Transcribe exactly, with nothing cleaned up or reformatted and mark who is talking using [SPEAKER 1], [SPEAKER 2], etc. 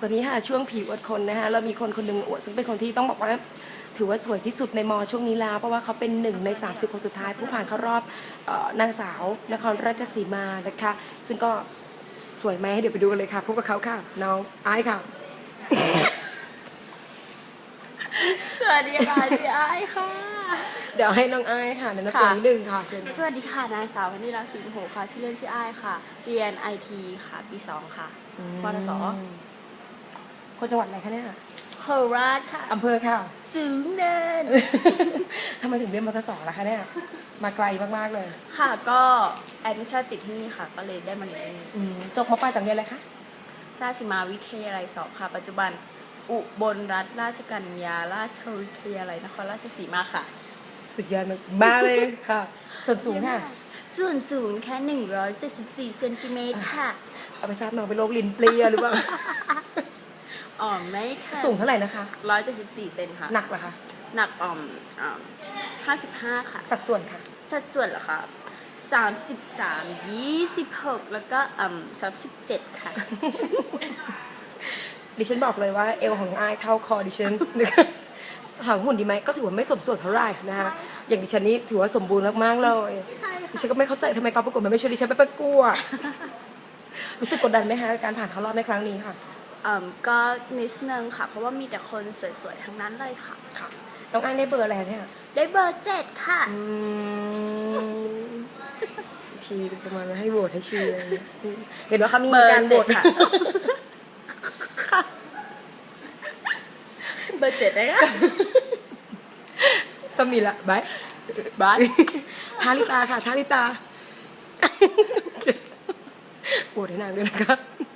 [SPEAKER 1] อนนี้ค่ะช่วงผีอวดคนนะคะเรามีคนคนหนึ่งอวดซึ่งเป็นคนที่ต้องบอกว่าถือว่าสวยที่สุดในมอช่วงนี้แล้วเพราะว่าเขาเป็นหนึ่งในสามสิบคนสุดท้ายผู้ผ่านเข้ารอบเอ่อนางสาวนครราชสีมานะคะซึ่งก็สวยไหมเดี๋ยวไปดูกันเลยค่ะพบกับเขาค่ะน้องไอซ์ค่ะ
[SPEAKER 2] สวัสดีค่ะพี่ไอซ์ค่ะ
[SPEAKER 1] เดี๋ยวให้น้องไอซ์ค่ะแนะนำตัวนิดนึงค่ะเชิญ
[SPEAKER 2] สวัสดีค่ะนางสาววนิรักษ์สิงห์โหค่ะชื่อเล่นชื่อไอซ์ค่ะ เรียนไอทีค่ะปีสองค่ะปทศ
[SPEAKER 1] คนจังหวัดอะไรคะเนี่ย
[SPEAKER 2] โคราชค่ะ
[SPEAKER 1] อำเภอค่ะ
[SPEAKER 2] สูงเนิน
[SPEAKER 1] ทำไมถึงเรียนมทสล่ะคะเนี่ยมาไกลมากๆเลย
[SPEAKER 2] ค่ะก็แอดมิชชั่นติดที่นี่ค่ะ ก็เลยได้มาเรียนที่นี่
[SPEAKER 1] อืมจบมาปลายจากเรียนอะไรคะ
[SPEAKER 2] ราชสีมาวิทยาลัยสองค่ะ ปัจจุบันอุบลรัฐราชกัญญาราชวิทยาลัยนครราชสีมาค่ะ
[SPEAKER 1] สุดยอดมากเลยค่ะส่วนสูงค่ะ
[SPEAKER 2] ส่วนสูงแค่หนึ่งร้อยเจ็ดสิบสี่เซนติเมตรค่ะ
[SPEAKER 1] เอาไปทราบน้องเป็นโรคลิ้นเปรี้ยหรือเปล่า
[SPEAKER 2] อ๋อไม่ค่ะ
[SPEAKER 1] สูงเท่าไหร่นะคะ
[SPEAKER 2] ร้อยเจ็ดสิบสี่เซนค่ะ
[SPEAKER 1] หนักเหรอคะ
[SPEAKER 2] หนักอ่อมอ่าห้าสิบห้าค่ะ
[SPEAKER 1] สัดส่วนค่ะ
[SPEAKER 2] สัดส่วนเหรอคะสามสิบสามยี่สิบหกแล้วก็อ่าสามสิบเจ็ดค่ะ
[SPEAKER 1] ดิฉันบอกเลยว่าเอวของน้องอายเท่าคอดิฉัน นะคะถามหุ่นดีไหมก็ถือว่าไม่สมส่วนเท่าไหร่นะคะอย่างดิฉันนี้ถือว่าสมบูรณ์มากๆเลย
[SPEAKER 2] ใช่ค่ะ
[SPEAKER 1] ดิฉันก็ไม่เข้าใจทำไมกองประกวดมันไม่ชวนดิฉันไปประกวด รู้สึกกดดันไหมคะการผ่านเข้ารอบในครั้งนี้ค่ะ
[SPEAKER 2] อ่าก็นิดนึงค่ะ เพราะว่ามีแต่คนสวยๆ ทั้งนั้นเลยค่ะ
[SPEAKER 1] ค่ะน้องอายได้เบอร์อะไรเนี่ย
[SPEAKER 2] ได้เบอร์เจ็ดค่ะ
[SPEAKER 1] อืมชีประมาณว่าให้โหวตให้ชีอะไรอย่างเงี้ยอืมเห็นว่าเขามี
[SPEAKER 2] เบอร์
[SPEAKER 1] การโหว
[SPEAKER 2] เจ็
[SPEAKER 1] ต
[SPEAKER 2] ดค่ะ ค่ะ เบอร์เจ็ดเลยค่ะ
[SPEAKER 1] สมิละบาย
[SPEAKER 2] บาย
[SPEAKER 1] ทาริตาค่ะทาริตาโหวตให้นางด้วยนะคะ